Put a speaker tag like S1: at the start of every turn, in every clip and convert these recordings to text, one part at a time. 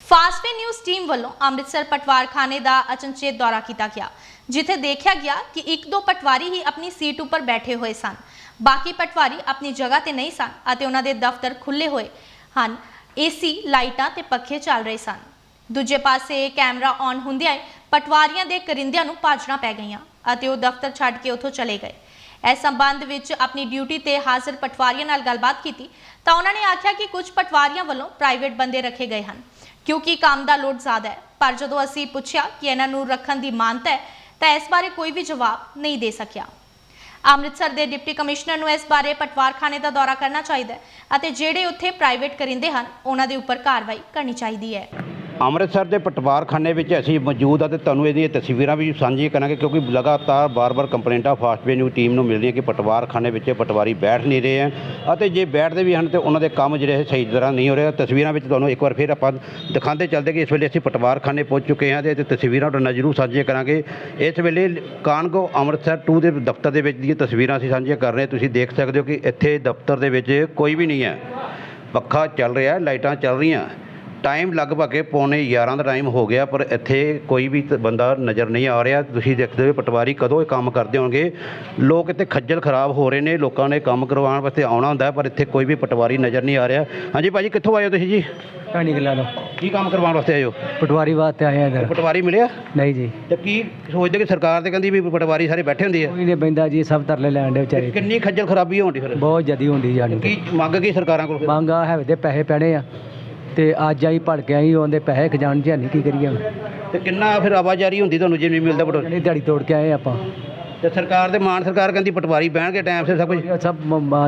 S1: Fastway news team ਵੱਲੋਂ ਅੰਮ੍ਰਿਤਸਰ ਪਟਵਾਰਖਾਨੇ ਦਾ ਅਚਨਚੇਤ ਦੌਰਾ ਕੀਤਾ ਗਿਆ, ਜਿੱਥੇ ਦੇਖਿਆ ਗਿਆ ਕਿ ਇੱਕ ਦੋ ਪਟਵਾਰੀ ਹੀ ਆਪਣੀ ਸੀਟ ਉੱਪਰ ਬੈਠੇ ਹੋਏ ਸਨ। ਬਾਕੀ ਪਟਵਾਰੀ ਆਪਣੀ ਜਗ੍ਹਾ ਤੇ ਨਹੀਂ ਸਨ ਅਤੇ ਉਹਨਾਂ ਦੇ ਦਫ਼ਤਰ ਖੁੱਲੇ ਹੋਏ ਹਨ। ਏਸੀ, ਲਾਈਟਾਂ ਤੇ ਪੱਖੇ ਚੱਲ ਰਹੇ ਸਨ। ਦੂਜੇ ਪਾਸੇ ਕੈਮਰਾ ਔਨ ਹੁੰਦਿਆਂ ਪਟਵਾਰੀਆਂ ਦੇ ਕਰਿੰਦਿਆਂ ਨੂੰ ਭਾਜਣਾ ਪੈ ਗਈਆਂ ਅਤੇ ਉਹ ਦਫ਼ਤਰ ਛੱਡ ਕੇ ਉੱਥੋਂ ਚਲੇ ਗਏ। ਇਸ ਸੰਬੰਧ ਵਿੱਚ ਆਪਣੀ ਡਿਊਟੀ ਤੇ ਹਾਜ਼ਰ ਪਟਵਾਰੀਆਂ ਨਾਲ ਗੱਲਬਾਤ ਕੀਤੀ ਤਾਂ ਉਹਨਾਂ ਨੇ ਆਖਿਆ ਕਿ ਕੁਝ ਪਟਵਾਰੀਆਂ ਵੱਲੋਂ ਪ੍ਰਾਈਵੇਟ ਬੰਦੇ ਰੱਖੇ ਗਏ ਹਨ ਕਿਉਂਕਿ ਕੰਮ ਦਾ ਲੋਡ ਜ਼ਿਆਦਾ ਹੈ। ਪਰ ਜਦੋਂ ਅਸੀਂ ਪੁੱਛਿਆ ਕਿ ਇਹਨਾਂ ਨੂੰ ਰੱਖਣ ਦੀ ਮਾਨਤਾ ਹੈ ਤਾਂ ਇਸ ਬਾਰੇ ਕੋਈ ਵੀ ਜਵਾਬ ਨਹੀਂ ਦੇ ਸਕਿਆ। ਅੰਮ੍ਰਿਤਸਰ ਦੇ ਡਿਪਟੀ ਕਮਿਸ਼ਨਰ ਨੂੰ ਇਸ ਬਾਰੇ ਪਟਵਾਰਖਾਨੇ ਦਾ ਦੌਰਾ ਕਰਨਾ ਚਾਹੀਦਾ ਹੈ ਅਤੇ ਜਿਹੜੇ ਉੱਥੇ ਪ੍ਰਾਈਵੇਟ ਕਰਿੰਦੇ ਹਨ ਉਹਨਾਂ ਦੇ ਉੱਪਰ ਕਾਰਵਾਈ ਕਰਨੀ ਚਾਹੀਦੀ ਹੈ।
S2: ਅੰਮ੍ਰਿਤਸਰ ਦੇ ਪਟਵਾਰਖਾਨੇ ਵਿੱਚ ਅਸੀਂ ਮੌਜੂਦ ਹਾਂ ਤੇ ਤੁਹਾਨੂੰ ਇਹਦੀਆਂ ਤਸਵੀਰਾਂ ਵੀ ਸਾਂਝੀਆਂ ਕਰਾਂਗੇ ਕਿਉਂਕਿ ਲਗਾਤਾਰ ਬਾਰ-ਬਾਰ ਕੰਪਲੇਂਟਾਂ ਫਾਸਟਵੇ ਨਿਊਜ਼ ਟੀਮ ਨੂੰ ਮਿਲ ਰਹੀਆਂ ਕਿ ਪਟਵਾਰਖਾਨੇ ਵਿੱਚ ਪਟਵਾਰੀ ਬੈਠ ਨਹੀਂ ਰਹੇ ਹਨ ਅਤੇ ਜੇ ਬੈਠਦੇ ਵੀ ਹਨ ਤੇ ਉਹਨਾਂ ਦੇ ਕੰਮ ਜਿਹੜੇ ਸਹੀ ਤਰ੍ਹਾਂ ਨਹੀਂ ਹੋ ਰਹੇ। ਤਸਵੀਰਾਂ ਵਿੱਚ ਤੁਹਾਨੂੰ ਇੱਕ ਵਾਰ ਫਿਰ ਆਪਾਂ ਦਿਖਾਉਂਦੇ ਚੱਲਦੇ ਕਿ ਇਸ ਵੇਲੇ ਅਸੀਂ ਪਟਵਾਰਖਾਨੇ ਪਹੁੰਚ ਚੁੱਕੇ ਹਾਂ ਤੇ ਤਸਵੀਰਾਂ ਤੁਹਾਡੇ ਨਾਲ ਜ਼ਰੂਰ ਸਾਂਝੀਆਂ ਕਰਾਂਗੇ। ਇਸ ਵੇਲੇ ਕਾਨਗੋ ਅੰਮ੍ਰਿਤਸਰ 2 ਦੇ ਦਫ਼ਤਰ ਦੇ ਵਿੱਚ ਦੀਆਂ ਤਸਵੀਰਾਂ ਅਸੀਂ ਸਾਂਝੀਆਂ ਕਰ ਰਹੇ ਹਾਂ। ਤੁਸੀਂ ਦੇਖ ਸਕਦੇ ਹੋ ਕਿ ਇੱਥੇ ਦਫ਼ਤਰ ਦੇ ਵਿੱਚ ਕੋਈ ਵੀ ਨਹੀਂ ਹੈ। ਪੱਖਾ ਚੱਲ ਰਿਹਾ, ਲਾਈਟਾਂ ਚੱਲ ਰਹੀਆਂ। ਟਾਈਮ ਲਗਭਗ 11:15 ਦਾ ਟਾਈਮ ਹੋ ਗਿਆ ਪਰ ਇੱਥੇ ਕੋਈ ਵੀ ਬੰਦਾ ਨਜ਼ਰ ਨਹੀਂ ਆ ਰਿਹਾ। ਤੁਸੀਂ ਦੇਖਦੇ ਹੋ ਪਟਵਾਰੀ ਕਦੋਂ ਇਹ ਕੰਮ ਕਰਦੇ ਹੋਣਗੇ। ਲੋਕ ਇੱਥੇ ਖੱਜਲ ਖਰਾਬ ਹੋ ਰਹੇ ਨੇ। ਲੋਕਾਂ ਨੇ ਕੰਮ ਕਰਵਾਉਣ ਵਾਸਤੇ ਆਉਣਾ ਹੁੰਦਾ ਪਰ ਇੱਥੇ ਕੋਈ ਵੀ ਪਟਵਾਰੀ ਨਜ਼ਰ ਨਹੀਂ ਆ ਰਿਹਾ। ਹਾਂਜੀ ਭਾਜੀ, ਕਿੱਥੋਂ ਆਏ ਹੋ ਤੁਸੀਂ ਜੀ?
S3: ਕਹਾਣੀ ਗੱਲਾਂ ਤੋਂ
S2: ਕੀ ਕੰਮ ਕਰਵਾਉਣ ਵਾਸਤੇ ਆਏ ਹੋ?
S3: ਪਟਵਾਰੀ ਵਾਸਤੇ ਆਏ ਆ ਇੱਧਰ।
S2: ਪਟਵਾਰੀ ਮਿਲਿਆ
S3: ਨਹੀਂ ਜੀ,
S2: ਤੇ ਕੀ ਸੋਚਦੇ ਕਿ ਸਰਕਾਰ ਤੇ ਕਹਿੰਦੀ ਵੀ ਪਟਵਾਰੀ ਸਾਰੇ ਬੈਠੇ ਹੁੰਦੇ ਆ?
S3: ਕੋਈ ਨਹੀਂ ਬੈਂਦਾ ਜੀ, ਸਭ ਤਰਲੇ ਲੈਣ ਦੇ ਵਿਚਾਰੇ।
S2: ਕਿੰਨੀ ਖੱਜਲ ਖਰਾਬੀ ਹੋਣੀ ਫਿਰ?
S3: ਬਹੁਤ ਜ਼ਿਆਦਾ ਹੁੰਦੀ ਜਾਣੀ
S2: ਕੀ ਮੰਗ ਕੀ ਸਰਕਾਰਾਂ ਕੋਲ?
S3: ਮੰਗਾ ਹੈ ਤੇ ਪੈਸੇ ਪੈਣੇ ਆ ਤੇ ਅੱਜ ਆਈ ਭੜ ਕੇ ਆਈ ਉਹਦੇ ਪੈਸੇ ਖਜ਼ਾਨ ਚ ਨਹੀਂ, ਕੀ ਕਰੀਏ ਹੁਣ?
S2: ਤੇ ਕਿੰਨਾ ਫਿਰ ਆਵਾਜਾਰੀ ਹੁੰਦੀ ਤੁਹਾਨੂੰ ਜੇ ਨਹੀਂ ਮਿਲਦਾ ਪਟਵਾਰੀ?
S3: ਜਿਹੜੀ ਦਿਹਾੜੀ ਤੋੜ ਕੇ ਆਏ ਆਪਾਂ
S2: ਤੇ ਸਰਕਾਰ ਦੇ ਮਾਨ ਸਰਕਾਰ ਕਹਿੰਦੀ ਪਟਵਾਰੀ ਬਹਿਣਗੇ ਟਾਈਮ ਸਿਰ ਸਭ ਕੁਝ।
S3: ਸਭ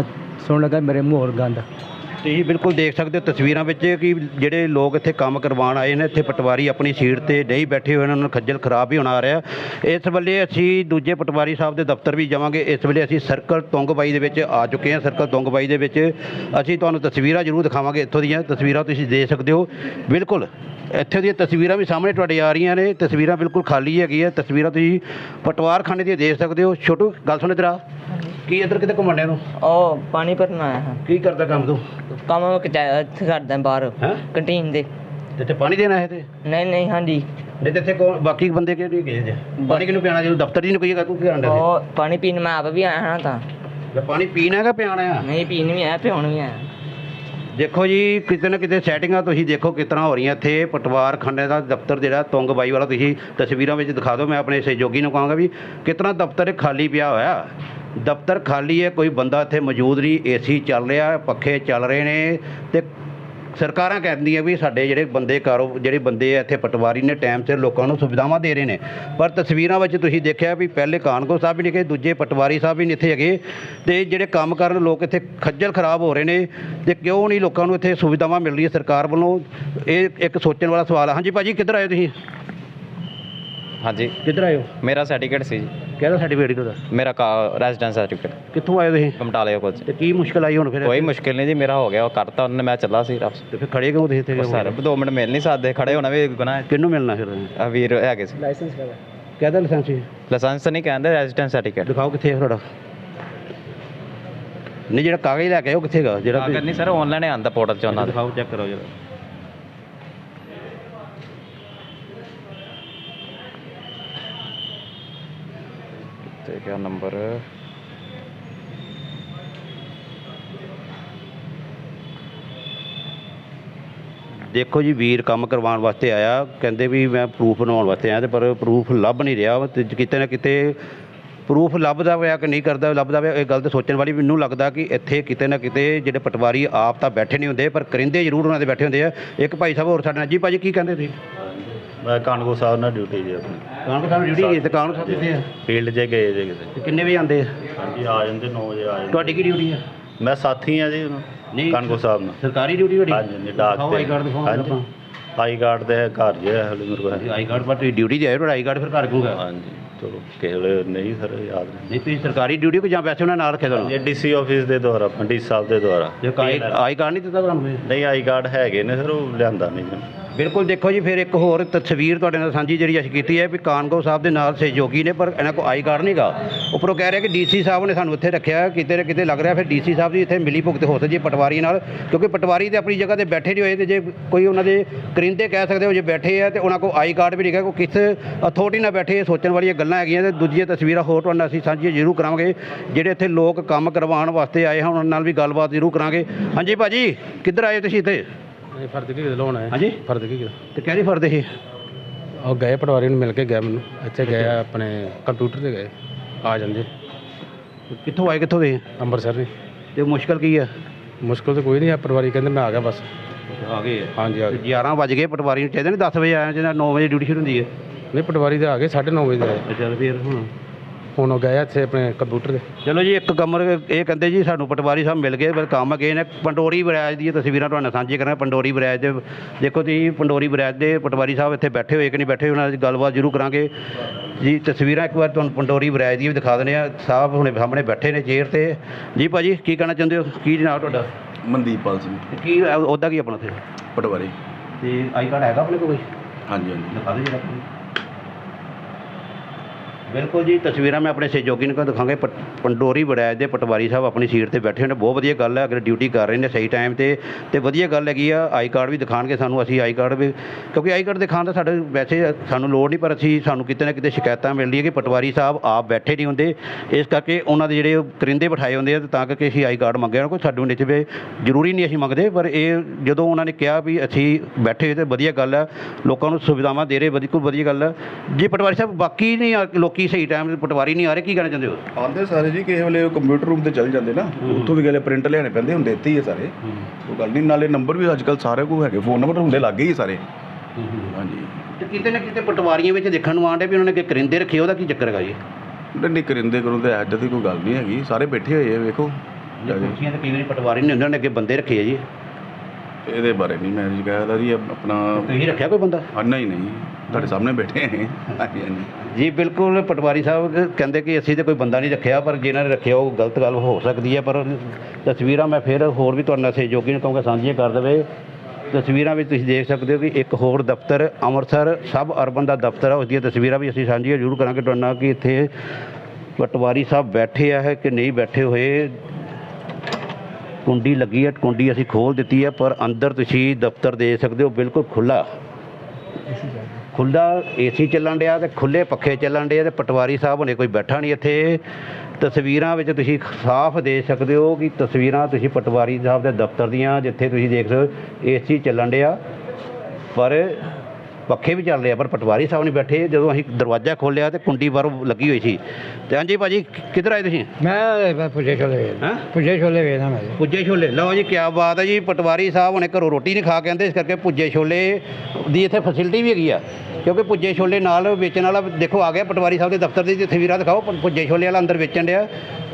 S3: ਸੁਣ ਲੱਗਾ ਮੇਰੇ ਮੂੰਹ ਹੋਰ ਗੰਦ।
S2: ਤੁਸੀਂ ਬਿਲਕੁਲ ਦੇਖ ਸਕਦੇ ਹੋ ਤਸਵੀਰਾਂ ਵਿੱਚ ਕਿ ਜਿਹੜੇ ਲੋਕ ਇੱਥੇ ਕੰਮ ਕਰਵਾਉਣ ਆਏ ਨੇ ਇੱਥੇ ਪਟਵਾਰੀ ਆਪਣੀ ਸੀਟ ਤੇ ਨਹੀਂ ਬੈਠੇ ਹੋਏ, ਉਹਨਾਂ ਨੂੰ ਖੱਜਲ ਖਰਾਬ ਵੀ ਹੋਣਾ ਆ ਰਿਹਾ। ਇਸ ਵੇਲੇ ਅਸੀਂ ਦੂਜੇ ਪਟਵਾਰੀ ਸਾਹਿਬ ਦੇ ਦਫ਼ਤਰ ਵੀ ਜਾਵਾਂਗੇ। ਇਸ ਵੇਲੇ ਅਸੀਂ ਸਰਕਲ ਤੁੰਗਬਾਈ ਦੇ ਵਿੱਚ ਆ ਚੁੱਕੇ ਹਾਂ। ਸਰਕਲ ਤੁੰਗਬਾਈ ਦੇ ਵਿੱਚ ਅਸੀਂ ਤੁਹਾਨੂੰ ਤਸਵੀਰਾਂ ਜ਼ਰੂਰ ਦਿਖਾਵਾਂਗੇ। ਇੱਥੋਂ ਦੀਆਂ ਤਸਵੀਰਾਂ ਤੁਸੀਂ ਦੇਖ ਸਕਦੇ ਹੋ। ਬਿਲਕੁਲ ਇੱਥੇ ਦੀਆਂ ਤਸਵੀਰਾਂ ਵੀ ਸਾਹਮਣੇ ਤੁਹਾਡੇ ਆ ਰਹੀਆਂ ਨੇ। ਤਸਵੀਰਾਂ ਬਿਲਕੁਲ ਖਾਲੀ ਹੈਗੀ ਹੈ। ਤਸਵੀਰਾਂ ਤੁਸੀਂ ਪਟਵਾਰਖਾਨੇ ਦੀਆਂ ਦੇਖ ਸਕਦੇ ਹੋ। ਛੋਟੂ ਗੱਲ ਸੁਣ ਇੱਧਰ ਆ। ਕੀ ਇੱਧਰ ਕਿਤੇ ਘੁੰਮਣ ਨੂੰ?
S4: ਉਹ ਪਾਣੀ ਭਰਨ ਆਇਆ ਹਾਂ।
S2: ਕੀ ਕਰਦਾ ਕੰਮ ਤੂੰ?
S4: ਕੰਮ ਇੱਥੇ ਕਰਦਾ ਬਾਹਰ
S2: ਹੈਂ?
S4: ਕੰਟੀਨ ਦੇ।
S2: ਇੱਥੇ ਪਾਣੀ ਦੇਣਾ ਹੈ ਤੇ
S4: ਨਹੀਂ ਹਾਂਜੀ।
S2: ਨਹੀਂ ਤੇ ਇੱਥੇ ਬਾਕੀ ਬੰਦੇ ਕਿਉਂ ਨਹੀਂ ਗਏ ਜੇ? ਪਾਣੀ ਕਿਹਨੂੰ ਪਿਆਣਾ? ਜਦੋਂ ਦਫ਼ਤਰ ਹੀ ਨਹੀਂ ਕੋਈ ਹੈਗਾ ਤੂੰ ਕੀ ਆਂਦਾ?
S4: ਉਹ ਪਾਣੀ ਪੀਣ ਮੈਂ ਆਪ ਵੀ ਆਇਆ ਹਾਂ ਤਾਂ।
S2: ਪਾਣੀ ਪੀਣਾ ਹੈਗਾ ਪਿਆਣਾ ਆ?
S4: ਨਹੀਂ, ਪੀਣ ਵੀ ਆਇਆ, ਪਿਉਣ ਵੀ ਆਇਆ।
S2: ਦੇਖੋ ਜੀ, ਕਿਤੇ ਨਾ ਕਿਤੇ ਸੈਟਿੰਗਾਂ ਤੁਸੀਂ ਦੇਖੋ ਕਿਸ ਤਰ੍ਹਾਂ ਹੋ ਰਹੀਆਂ ਇੱਥੇ। ਪਟਵਾਰਖਾਨੇ ਦਾ ਦਫ਼ਤਰ ਜਿਹੜਾ ਤੁੰਗਬਾਈ ਵਾਲਾ ਤੁਸੀਂ ਤਸਵੀਰਾਂ ਵਿੱਚ ਦਿਖਾ ਦਿਓ। ਮੈਂ ਆਪਣੇ ਸਹਿਯੋਗੀ ਨੂੰ ਕਹਾਂਗਾ ਵੀ ਕਿਸ ਤਰ੍ਹਾਂ ਦਫ਼ਤਰ ਖਾਲੀ ਪਿਆ ਹੋਇਆ। ਦਫ਼ਤਰ ਖਾਲੀ ਹੈ, ਕੋਈ ਬੰਦਾ ਇੱਥੇ ਮੌਜੂਦ ਨਹੀਂ। ਏਸੀ ਚੱਲ ਰਿਹਾ, ਪੱਖੇ ਚੱਲ ਰਹੇ ਨੇ ਤੇ ਸਰਕਾਰਾਂ ਕਹਿੰਦੀਆਂ ਵੀ ਸਾਡੇ ਜਿਹੜੇ ਬੰਦੇ ਆ ਇੱਥੇ ਪਟਵਾਰੀ ਨੇ ਟਾਈਮ ਸਿਰ ਲੋਕਾਂ ਨੂੰ ਸੁਵਿਧਾਵਾਂ ਦੇ ਰਹੇ ਨੇ। ਪਰ ਤਸਵੀਰਾਂ ਵਿੱਚ ਤੁਸੀਂ ਦੇਖਿਆ ਵੀ ਪਹਿਲੇ ਕਾਨਗੋ ਸਾਹਿਬ ਵੀ ਨਹੀਂ ਗਏ, ਦੂਜੇ ਪਟਵਾਰੀ ਸਾਹਿਬ ਵੀ ਨਹੀਂ ਇੱਥੇ ਹੈਗੇ ਤੇ ਜਿਹੜੇ ਕੰਮ ਕਰਨ ਲੋਕ ਇੱਥੇ ਖੱਜਲ ਖਰਾਬ ਹੋ ਰਹੇ ਨੇ। ਤੇ ਕਿਉਂ ਨਹੀਂ ਲੋਕਾਂ ਨੂੰ ਇੱਥੇ ਸੁਵਿਧਾਵਾਂ ਮਿਲ ਰਹੀਆਂ ਸਰਕਾਰ ਵੱਲੋਂ? ਇਹ ਇੱਕ ਸੋਚਣ ਵਾਲਾ ਸਵਾਲ ਹੈ। ਹਾਂਜੀ ਭਾਜੀ, ਕਿੱਧਰ ਆਏ ਤੁਸੀਂ?
S5: ਹਾਂਜੀ,
S2: ਕਿੱਧਰ ਆਏ ਹੋ?
S5: ਮੇਰਾ ਸਰਟੀਫਿਕੇਟ ਸੀ ਜੀ।
S2: ਕਿਹੜਾ ਸਰਟੀਫਿਕੇਟ ਤੁਹਾਡਾ?
S5: ਮੇਰਾ ਰੈਜ਼ੀਡੈਂਸ ਸਰਟੀਫਿਕੇਟ।
S2: ਕਿੱਥੋਂ ਆਏ ਤੁਸੀਂ?
S5: ਕਮਟਾਲੇ ਕੋਲ।
S2: ਤੇ ਕੀ ਮੁਸ਼ਕਿਲ ਆਈ ਹੁਣ ਫਿਰ?
S5: ਕੋਈ ਮੁਸ਼ਕਿਲ ਨਹੀਂ ਜੀ, ਮੇਰਾ ਹੋ ਗਿਆ, ਉਹ ਕਰਤਾ ਉਹਨੇ। ਮੈਂ ਚੱਲਾ ਸੀ ਰਾਪਸ।
S2: ਤੇ ਫਿਰ ਖੜੇ ਕਿਉਂ ਤੁਸੀਂ ਇੱਥੇ?
S5: ਸਰ 2 ਮਿੰਟ ਮਿਲ ਨਹੀਂ ਸਕਦੇ, ਖੜੇ ਹੋਣਾ ਵੀ ਗੁਨਾਹ ਹੈ।
S2: ਕਿਹਨੂੰ ਮਿਲਣਾ ਫਿਰ?
S5: ਆ ਵੀਰ ਹੈਗੇ ਸੀ।
S3: ਲਾਇਸੈਂਸ ਕਰਾ
S2: ਕਿਹਦਾ ਲਾਇਸੈਂਸ ਸੀ?
S5: ਲਾਇਸੈਂਸ ਨਹੀਂ ਕਹਿੰਦੇ, ਰੈਜ਼ੀਡੈਂਸ ਸਰਟੀਫਿਕੇਟ।
S2: ਦਿਖਾਓ ਕਿੱਥੇ ਹੈ ਤੁਹਾਡਾ? ਨਹੀਂ, ਜਿਹੜਾ ਕਾਗਜ਼ ਲੈ ਕੇ ਆਏ ਉਹ ਕਿੱਥੇ ਗਾ? ਜਿਹੜਾ
S5: ਅਗਰ ਨਹੀਂ ਸਰ, ਆਨਲਾਈਨ ਆਉਂਦਾ ਪੋਰਟਲ 'ਚ ਉਹਨਾਂ ਦਾ।
S2: ਦਿਖਾਓ, ਚੈੱਕ ਕਰੋ ਜਰਾ।
S5: ਤੇ ਕਿਆ ਨੰਬਰ?
S2: ਦੇਖੋ ਜੀ, ਵੀਰ ਕੰਮ ਕਰਵਾਉਣ ਵਾਸਤੇ ਆਇਆ। ਕਹਿੰਦੇ ਵੀ ਮੈਂ ਪ੍ਰੂਫ ਬਣਾਉਣ ਵਾਸਤੇ ਆਇਆ ਤੇ ਪਰ ਪ੍ਰੂਫ ਲੱਭ ਨਹੀਂ ਰਿਹਾ ਤੇ ਕਿਤੇ ਨਾ ਕਿਤੇ ਪ੍ਰੂਫ ਲੱਭਦਾ ਹੋਇਆ ਕਿ ਨਹੀਂ ਕਰਦਾ ਲੱਭਦਾ ਹੋਇਆ, ਇਹ ਗੱਲ ਤਾਂ ਸੋਚਣ ਵਾਲੀ। ਮੈਨੂੰ ਲੱਗਦਾ ਕਿ ਇੱਥੇ ਕਿਤੇ ਨਾ ਕਿਤੇ ਜਿਹੜੇ ਪਟਵਾਰੀ ਆਪ ਤਾਂ ਬੈਠੇ ਨਹੀਂ ਹੁੰਦੇ ਪਰ ਕਰਿੰਦੇ ਜ਼ਰੂਰ ਉਹਨਾਂ ਦੇ ਬੈਠੇ ਹੁੰਦੇ ਆ। ਇੱਕ ਭਾਈ ਸਾਹਿਬ ਹੋਰ ਸਾਡੇ ਨਾਲ। ਜੀ ਭਾਜੀ, ਕੀ ਕਹਿੰਦੇ ਤੁਸੀਂ?
S6: ਮੈਂ ਕਾਨਗੋ ਸਾਹਿਬ ਨਾਲ ਡਿਊਟੀ ਜੀ ਆਪਣੀ।
S2: ਕਾਨਗੋ ਸਾਹਿਬ ਡਿਊਟੀ ਗਈ ਤੇ ਕਾਨਗੋ ਸਾਹਿਬ ਕਿੱਥੇ ਆ?
S6: ਫੀਲਡ 'ਚ ਗਏ ਜੇ ਕਿਤੇ।
S2: ਤੇ ਕਿੰਨੇ ਵਜੇ ਆਉਂਦੇ ਆ?
S6: ਹਾਂਜੀ, ਆ ਜਾਂਦੇ 9 ਵਜੇ ਆ ਜਾਂਦੇ।
S2: ਤੁਹਾਡੀ ਕੀ ਡਿਊਟੀ ਆ?
S6: ਮੈਂ ਸਾਥੀ ਆ ਜੀ ਉਹਨਾਂ
S2: ਨਹੀਂ,
S6: ਕਾਨਗੋ ਸਾਹਿਬ ਨਾਲ।
S2: ਸਰਕਾਰੀ ਡਿਊਟੀ ਤੁਹਾਡੀ?
S6: ਹਾਂਜੀ ਹਾਂਜੀ, ਡਾਕ
S2: ਆਈ ਕਾਰਡ ਦਿਖਾਓ
S6: ਹਾਂਜੀ, ਆਈ ਕਾਰਡ ਤੇ ਘਰ ਜੇ ਹਲੇ ਮੇਰੇ ਕੋਲ।
S2: ਆਈ ਕਾਰਡ ਪਰ ਤੁਸੀਂ ਡਿਊਟੀ 'ਤੇ ਆਏ, ਤੁਹਾਡਾ ਆਈ ਕਾਰਡ ਫਿਰ ਘਰ ਕਿਉਂ?
S6: ਹਾਂਜੀ, ਚਲੋ ਕਿਸੇ ਵੇਲੇ ਨਹੀਂ ਸਰ, ਯਾਦ
S2: ਨਹੀਂ, ਤੁਸੀਂ ਸਰਕਾਰੀ ਡਿਊਟੀ ਕੋ ਜਾਂ ਪੈਸੇ ਉਹਨਾਂ ਨਾਲ ਰੱਖੇ ਤੁਹਾਨੂੰ?
S6: ਨਹੀਂ। ਡੀਸੀ ਆਫਿਸ ਦੇ ਦੁਆਰਾ, ਡੀ ਸਾਹਿਬ ਦੇ ਦੁਆਰਾ।
S2: ਆਈ ਕਾਰਡ ਨਹੀਂ ਦਿੱਤਾ ਤੁਹਾਨੂੰ?
S6: ਨਹੀਂ, ਆਈ ਕਾਰਡ ਹੈਗੇ ਨੇ ਸਰ, ਉਹ ਲਿਆਂਦਾ ਨਹੀਂ ਮੈਂ।
S2: ਬਿਲਕੁਲ। ਦੇਖੋ ਜੀ, ਫਿਰ ਇੱਕ ਹੋਰ ਤਸਵੀਰ ਤੁਹਾਡੇ ਨਾਲ ਸਾਂਝੀ ਜਿਹੜੀ ਅਸੀਂ ਕੀਤੀ ਹੈ ਵੀ ਕਾਨਗੋ ਸਾਹਿਬ ਦੇ ਨਾਲ ਸਹਿਯੋਗੀ ਨੇ ਪਰ ਇਹਨਾਂ ਕੋਲ ਆਈ ਕਾਰਡ ਨਹੀਂ ਗਾ। ਉੱਪਰੋਂ ਕਹਿ ਰਿਹਾ ਕਿ ਡੀਸੀ ਸਾਹਿਬ ਨੇ ਸਾਨੂੰ ਇੱਥੇ ਰੱਖਿਆ। ਕਿਤੇ ਨਾ ਕਿਤੇ ਲੱਗ ਰਿਹਾ ਫਿਰ ਡੀਸੀ ਸਾਹਿਬ ਦੀ ਇੱਥੇ ਮਿਲੀ ਭੁਗਤ ਹੋ ਸਕਦੀ ਹੈ। ਪਟਵਾਰੀ ਨਾਲ, ਕਿਉਂਕਿ ਪਟਵਾਰੀ ਤੇ ਆਪਣੀ ਜਗ੍ਹਾ ਤੇ ਬੈਠੇ ਨਹੀਂ ਹੋਏ ਤੇ ਜੇ ਕੋਈ ਉਹਨਾਂ ਦੇ ਕਰਿੰਦੇ ਕਹਿ ਸਕਦੇ ਹੋ ਜੇ ਬੈਠੇ ਆ ਤੇ ਉਹਨਾਂ ਕੋਲ ਆਈ ਕਾਰਡ ਵੀ ਨਹੀਂ ਹੈਗਾ, ਕੋਈ ਕਿਸ ਅਥਾਰਟੀ ਨਾਲ ਬੈਠੇ, ਸੋਚਣ ਵਾਲੀਆਂ ਗੱਲਾਂ ਹੈਗੀਆਂ। ਤੇ ਦੂਜੀਆਂ ਤਸਵੀਰਾਂ ਹੋਰ ਤੁਹਾਡੇ ਨਾਲ ਅਸੀਂ ਸਾਂਝੀਆਂ ਜ਼ਰੂਰ ਕਰਾਂਗੇ, ਜਿਹੜੇ ਇੱਥੇ ਲੋਕ ਕੰਮ ਕਰਵਾਉਣ ਵਾਸਤੇ ਆਏ ਹਨ ਉਹਨਾਂ ਨਾਲ ਵੀ ਗੱਲਬਾਤ ਜ਼ਰੂਰ ਕਰਾਂਗੇ। ਹਾਂਜੀ ਭਾਜੀ, ਕਿੱਧਰ ਆਏ ਤੁਸੀਂ ਇੱਥੇ?
S3: ਫਰਦ ਕੀ ਲਾਉਣਾ ਹੈ?
S2: ਹਾਂਜੀ,
S3: ਫਰਦ ਕੀ
S2: ਤੇ ਕਿਹੜੀ ਫਰਦ ਇਹ?
S3: ਉਹ ਗਏ ਪਟਵਾਰੀ ਨੂੰ ਮਿਲ ਕੇ ਗਿਆ, ਮੈਨੂੰ ਇੱਥੇ ਗਏ ਆਪਣੇ ਕੰਪਿਊਟਰ ਤੇ ਗਏ, ਆ ਜਾਂਦੇ।
S2: ਕਿੱਥੋਂ ਆਏ, ਕਿੱਥੋਂ ਦੇ?
S3: ਅੰਮ੍ਰਿਤਸਰ ਦੀ।
S2: ਤੇ ਮੁਸ਼ਕਲ ਕੀ ਆ?
S3: ਮੁਸ਼ਕਿਲ ਤਾਂ ਕੋਈ ਨਹੀਂ ਹੈ, ਪਟਵਾਰੀ ਕਹਿੰਦੇ ਮੈਂ ਆ ਗਿਆ ਬਸ।
S2: ਆ ਗਏ?
S3: ਹਾਂਜੀ ਆ ਗਏ।
S2: 11 ਵਜ ਗਏ, ਪਟਵਾਰੀ ਨੂੰ ਚਾਹੀਦਾ ਨਹੀਂ 10 ਵਜੇ ਆਇਆ, ਜਿਹਨਾਂ 9 ਵਜੇ ਡਿਊਟੀ ਸ਼ੁਰੂ ਹੁੰਦੀ ਹੈ।
S3: ਨਹੀਂ ਪਟਵਾਰੀ ਦੇ ਆ ਗਏ 9:30 ਵਜੇ ਦੇ ਆਏ।
S2: ਚੱਲ ਫਿਰ
S3: ਹੁਣ ਉਹ ਗਏ ਇੱਥੇ ਆਪਣੇ ਕੰਪਿਊਟਰ ਤੇ।
S2: ਚਲੋ ਜੀ, ਇੱਕ ਕਮਰ ਇਹ ਕਹਿੰਦੇ ਜੀ ਸਾਨੂੰ ਪਟਵਾਰੀ ਸਾਹਿਬ ਮਿਲ ਗਏ, ਪਰ ਕੰਮ ਗਏ ਨੇ। ਪੰਡੋਰੀ ਬਰਾਜ ਦੀਆਂ ਤਸਵੀਰਾਂ ਤੁਹਾਡੇ ਨਾਲ ਸਾਂਝੀਆਂ ਕਰਾਂਗੇ। ਪੰਡੋਰੀ ਬਰਾਜ ਦੇ ਦੇਖੋ ਤੁਸੀਂ, ਪੰਡੋਰੀ ਬਰਾਜ ਦੇ ਪਟਵਾਰੀ ਸਾਹਿਬ ਇੱਥੇ ਬੈਠੇ ਹੋਏ ਕਿ ਨਹੀਂ ਬੈਠੇ, ਉਹਨਾਂ ਨਾਲ ਗੱਲਬਾਤ ਜ਼ਰੂਰ ਕਰਾਂਗੇ ਜੀ। ਤਸਵੀਰਾਂ ਇੱਕ ਵਾਰ ਤੁਹਾਨੂੰ ਪੰਡੋਰੀ ਬਰਾਜ ਦੀਆਂ ਵੀ ਦਿਖਾ ਦਿੰਦੇ ਆ। ਸਾਹਿਬ ਹੁਣੇ ਸਾਹਮਣੇ ਬੈਠੇ ਨੇ ਚੇਅਰ ਤੇ। ਜੀ ਭਾਜੀ, ਕੀ ਕਹਿਣਾ ਚਾਹੁੰਦੇ ਹੋ? ਕੀ ਨਾਮ ਤੁਹਾਡਾ?
S7: ਮਨਦੀਪਾਲ ਸਿੰਘ,
S2: ਕੀ ਉਹਦਾ ਕੀ ਆਪਣਾ ਉੱਥੇ
S7: ਪਟਵਾਰੀ।
S2: ਤੇ ਆਈ ਕਾਰਡ ਹੈਗਾ ਆਪਣੇ ਕੋਲ ਕੋਈ?
S7: ਹਾਂਜੀ ਹਾਂਜੀ।
S2: ਦਿਖਾ ਦਿਓ ਜਰਾ। ਬਿਲਕੁਲ ਜੀ, ਤਸਵੀਰਾਂ ਮੈਂ ਆਪਣੇ ਸਹਿਯੋਗੀ ਨੂੰ ਦਿਖਾਵਾਂਗੇ। ਪੰਡੋਰੀ ਬਰਾਜ ਦੇ ਪਟਵਾਰੀ ਸਾਹਿਬ ਆਪਣੀ ਸੀਟ ਤੇ ਬੈਠੇ ਹੋਏ ਨੇ। ਬਹੁਤ ਵਧੀਆ ਗੱਲ ਹੈ, ਅਗਰ ਡਿਊਟੀ ਕਰ ਰਹੇ ਨੇ ਸਹੀ ਟਾਈਮ ਤੇ ਵਧੀਆ ਗੱਲ ਹੈਗੀ ਆ। ਆਈ ਕਾਰਡ ਵੀ ਦਿਖਾਣਗੇ ਸਾਨੂੰ, ਅਸੀਂ ਆਈ ਕਾਰਡ ਵੀ, ਕਿਉਂਕਿ ਆਈ ਕਾਰਡ ਦਿਖਾਉਣ ਦਾ ਸਾਡੇ ਵੈਸੇ ਸਾਨੂੰ ਲੋੜ ਨਹੀਂ, ਪਰ ਸਾਨੂੰ ਕਿਤੇ ਨਾ ਕਿਤੇ ਸ਼ਿਕਾਇਤਾਂ ਮਿਲਦੀਆਂ ਕਿ ਪਟਵਾਰੀ ਸਾਹਿਬ ਆਪ ਬੈਠੇ ਨਹੀਂ ਹੁੰਦੇ, ਇਸ ਕਰਕੇ ਉਹਨਾਂ ਦੇ ਜਿਹੜੇ ਕਰਿੰਦੇ ਬਿਠਾਏ ਹੁੰਦੇ ਆ, ਤਾਂ ਕਰਕੇ ਅਸੀਂ ਆਈ ਕਾਰਡ ਮੰਗਿਆ। ਕੋਈ ਸਾਨੂੰ ਨਿੱਚ ਵੀ ਜ਼ਰੂਰੀ ਨਹੀਂ ਅਸੀਂ ਮੰਗਦੇ, ਪਰ ਇਹ ਜਦੋਂ ਉਹਨਾਂ ਨੇ ਕਿਹਾ ਵੀ ਅਸੀਂ ਬੈਠੇ ਹੋਏ ਤਾਂ ਵਧੀਆ ਗੱਲ ਹੈ, ਲੋਕਾਂ ਨੂੰ ਸੁਵਿਧਾਵਾਂ ਦੇ ਰਹੇ, ਬਿਲਕੁਲ ਵਧੀਆ ਗੱਲ ਹੈ ਜੀ। ਪਟਵਾਰੀ ਸਾਹਿਬ ਬਾਕੀ ਨਹੀਂ ਲੋਕੀ ਸਹੀ ਟਾਈਮ 'ਤੇ ਪਟਵਾਰੀ ਨਹੀਂ ਆ ਰਹੇ, ਕੀ ਕਹਿਣਾ ਚਾਹੁੰਦੇ ਹੋ?
S7: ਆਉਂਦੇ ਸਾਰੇ ਜੀ, ਕਿਸੇ ਵੇਲੇ ਕੰਪਿਊਟਰ ਰੂਮ ਤੇ ਚੱਲ ਜਾਂਦੇ ਨਾ, ਉੱਥੋਂ ਵੀ ਗਲੇ ਪ੍ਰਿੰਟ ਲਿਆਣੇ ਪੈਂਦੇ ਹੁੰਦੇ, ਇੱਥੇ ਹੀ ਆ ਸਾਰੇ। ਉਹ ਗੱਲ ਨਹੀਂ, ਨਾਲੇ ਨੰਬਰ ਵੀ ਅੱਜ ਕੱਲ੍ਹ ਸਾਰੇ ਕੋਲ ਹੈਗੇ, ਫੋਨ ਨੰਬਰ ਹੁੰਦੇ ਲੱਗੇ ਹੀ ਸਾਰੇ। ਹਾਂਜੀ,
S2: ਤੇ ਕਿਤੇ ਨਾ ਕਿਤੇ ਪਟਵਾਰੀਆਂ ਵਿੱਚ ਦੇਖਣ ਨੂੰ ਆਉਂਦੇ ਵੀ ਉਹਨਾਂ ਨੇ ਕਰਿੰਦੇ ਰੱਖੇ, ਉਹਦਾ ਕੀ ਚੱਕਰ ਹੈਗਾ ਜੀ?
S7: ਨਹੀਂ ਕਰਿੰਦੇ ਕਰੋ ਤੇ ਐਡ ਦੀ ਕੋਈ ਗੱਲ ਨਹੀਂ ਹੈਗੀ, ਸਾਰੇ ਬੈਠੇ ਹੋਏ ਆ ਵੇਖੋ।
S2: ਕੁਰਸੀਆਂ ਤੇ ਕਈ ਵਾਰੀ ਪਟਵਾਰੀ ਨਹੀਂ ਹੁੰਦੇ, ਉਹਨਾਂ ਨੇ ਅੱਗੇ ਬੰਦੇ ਰੱਖੇ ਆ ਜੀ।
S7: ਇਹਦੇ ਬਾਰੇ ਨਹੀਂ ਮੈਂ ਜੀ ਕਹਿਦਾ ਜੀ, ਆਪਣਾ
S2: ਤੁਸੀਂ ਰੱਖਿਆ ਕੋਈ ਬੰਦਾ?
S7: ਨਹੀਂ ਤੁਹਾਡੇ ਸਾਹਮਣੇ ਬੈਠੇ ਹੈ। ਹਾਂਜੀ ਹਾਂਜੀ
S2: ਜੀ ਬਿਲਕੁਲ, ਪਟਵਾਰੀ ਸਾਹਿਬ ਕਹਿੰਦੇ ਕਿ ਅਸੀਂ ਤਾਂ ਕੋਈ ਬੰਦਾ ਨਹੀਂ ਰੱਖਿਆ, ਪਰ ਜਿਹਨਾਂ ਨੇ ਰੱਖਿਆ ਉਹ ਗਲਤ ਗੱਲ ਹੋ ਸਕਦੀ ਹੈ। ਪਰ ਤਸਵੀਰਾਂ ਮੈਂ ਫਿਰ ਹੋਰ ਵੀ ਤੁਹਾਡੇ ਨਾਲ ਸਹਿਯੋਗੀ ਨੂੰ ਕਹੂੰਗਾ ਸਾਂਝੀਆਂ ਕਰ ਦੇਵੇ। ਤਸਵੀਰਾਂ ਵਿੱਚ ਤੁਸੀਂ ਦੇਖ ਸਕਦੇ ਹੋ ਕਿ ਇੱਕ ਹੋਰ ਦਫ਼ਤਰ ਅੰਮ੍ਰਿਤਸਰ ਸਬ ਅਰਬਨ ਦਾ ਦਫ਼ਤਰ ਹੈ, ਉਸ ਦੀਆਂ ਤਸਵੀਰਾਂ ਵੀ ਅਸੀਂ ਸਾਂਝੀਆਂ ਜ਼ਰੂਰ ਕਰਾਂਗੇ ਤੁਹਾਡੇ ਨਾਲ ਕਿ ਇੱਥੇ ਪਟਵਾਰੀ ਸਾਹਿਬ ਬੈਠੇ ਆ ਕਿ ਨਹੀਂ ਬੈਠੇ ਹੋਏ। ਕੁੰਡੀ ਲੱਗੀ ਹੈ, ਕੁੰਡੀ ਅਸੀਂ ਖੋਲ੍ਹ ਦਿੱਤੀ ਹੈ, ਪਰ ਅੰਦਰ ਤੁਸੀਂ ਦਫ਼ਤਰ ਦੇ ਸਕਦੇ ਹੋ ਬਿਲਕੁਲ ਖੁੱਲ੍ਹਾ ਏਸੀ ਚੱਲਣ ਡਿਆ ਤੇ ਖੁੱਲ੍ਹੇ ਪੱਖੇ ਚੱਲਣ ਡੇ, ਤੇ ਪਟਵਾਰੀ ਸਾਹਿਬ ਹੁਣੇ ਕੋਈ ਬੈਠਾ ਨਹੀਂ ਇੱਥੇ। ਤਸਵੀਰਾਂ ਵਿੱਚ ਤੁਸੀਂ ਸਾਫ਼ ਦੇਖ ਸਕਦੇ ਹੋ ਕਿ ਤਸਵੀਰਾਂ ਤੁਸੀਂ ਪਟਵਾਰੀ ਸਾਹਿਬ ਦੇ ਦਫ਼ਤਰ ਦੀਆਂ, ਜਿੱਥੇ ਤੁਸੀਂ ਦੇਖ ਸਕਦੇ ਹੋ ਏਸੀ ਚੱਲਣ ਡਿਆ ਪਰ ਪੱਖੇ ਵੀ ਚੱਲ ਰਹੇ ਆ, ਪਰ ਪਟਵਾਰੀ ਸਾਹਿਬ ਨਹੀਂ ਬੈਠੇ। ਜਦੋਂ ਅਸੀਂ ਦਰਵਾਜ਼ਾ ਖੋਲ੍ਹਿਆ ਤੇ ਕੁੰਡੀ ਬਾਹਰੋਂ ਲੱਗੀ ਹੋਈ ਸੀ। ਤੇ ਹਾਂਜੀ ਭਾਜੀ, ਕਿੱਧਰ ਆਏ ਤੁਸੀਂ?
S3: ਮੈਂ ਪੁੱਜੇ ਛੋਲੇ
S2: ਹੈਂ?
S3: ਪੁੱਜੇ ਛੋਲੇ ਵੇਚਦਾ ਮੈਂ।
S2: ਪੁੱਜੇ ਛੋਲੇ, ਲਓ ਜੀ ਕਿਆ ਬਾਤ ਹੈ ਜੀ। ਪਟਵਾਰੀ ਸਾਹਿਬ ਹੁਣੇ ਘਰੋਂ ਰੋਟੀ ਨਹੀਂ ਖਾ ਕੇ ਆਉਂਦੇ, ਇਸ ਕਰਕੇ ਪੁੱਜੇ ਛੋਲੇ ਦੀ ਇੱਥੇ ਫੈਸਿਲਿਟੀ ਵੀ ਹੈਗੀ ਆ, ਕਿਉਂਕਿ ਪੁੱਜੇ ਛੋਲੇ ਨਾਲ ਵੇਚਣ ਵਾਲਾ ਦੇਖੋ ਆ ਗਿਆ ਪਟਵਾਰੀ ਸਾਹਿਬ ਦੇ ਦਫ਼ਤਰ ਦੀ ਤਸਵੀਰਾਂ ਦਿਖਾਓ। ਪੁੱਜੇ ਛੋਲੇ ਵਾਲਾ ਅੰਦਰ ਵੇਚਣ ਡਿਆ